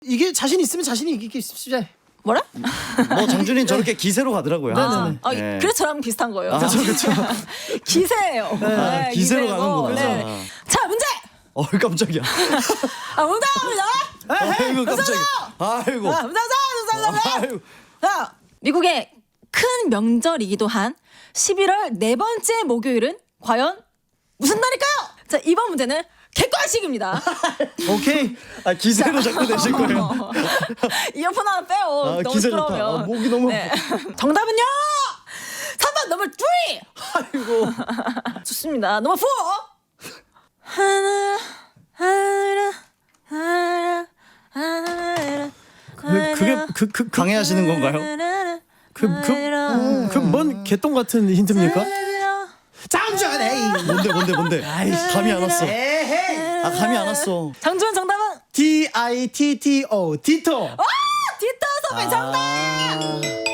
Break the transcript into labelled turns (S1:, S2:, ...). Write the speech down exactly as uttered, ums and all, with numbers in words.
S1: 이게 자신 있으면 자신이 이기게 쉽지.
S2: 뭐라?
S3: 뭐 장준이는 저렇게 기세로 가더라고요.
S1: 네네네.
S2: 아,
S3: 네.
S2: 그래서 저랑 비슷한 거예요.
S3: 그렇죠,
S1: 그렇죠.
S2: 기세예요.
S3: 아, 기세로
S2: 기세고.
S3: 가는 거구나.
S2: 네. 자, 문제.
S3: 어 깜짝이야.
S2: 아, 문제입니다.
S3: 아이고 깜짝이야. 아이고.
S2: 자, 문제, 문제, 문제, 문제.
S3: 아이고.
S2: 자, 미국의 큰 명절이기도 한 십일월 네 번째 목요일은 과연 무슨 날일까요? 자, 이번 문제는 객관식입니다.
S1: 오케이.
S3: 아 기세로 자꾸 내실 거예요.
S2: 이어폰 하나 빼요.
S3: 아,
S2: 너무
S3: 기세 좋다.
S2: 시끄러우면.
S3: 아, 목이 너무
S2: 네. 정답은요. 삼 번 넘버 삼.
S3: 아이고.
S2: 좋습니다. 넘버 사. 하나 하나 하나 하나
S1: 그, 그게 그 그 그
S3: 강해하시는 건가요?
S1: 그그그뭔 개똥 같은 힌트입니까? 장준이.
S3: 뭔데 뭔데 뭔데? 감이 안 왔어.
S1: 에헤이.
S3: 아 감이 안 왔어.
S2: 장준 정답은
S1: D I T T O 디토.
S2: 디터 선배 정답.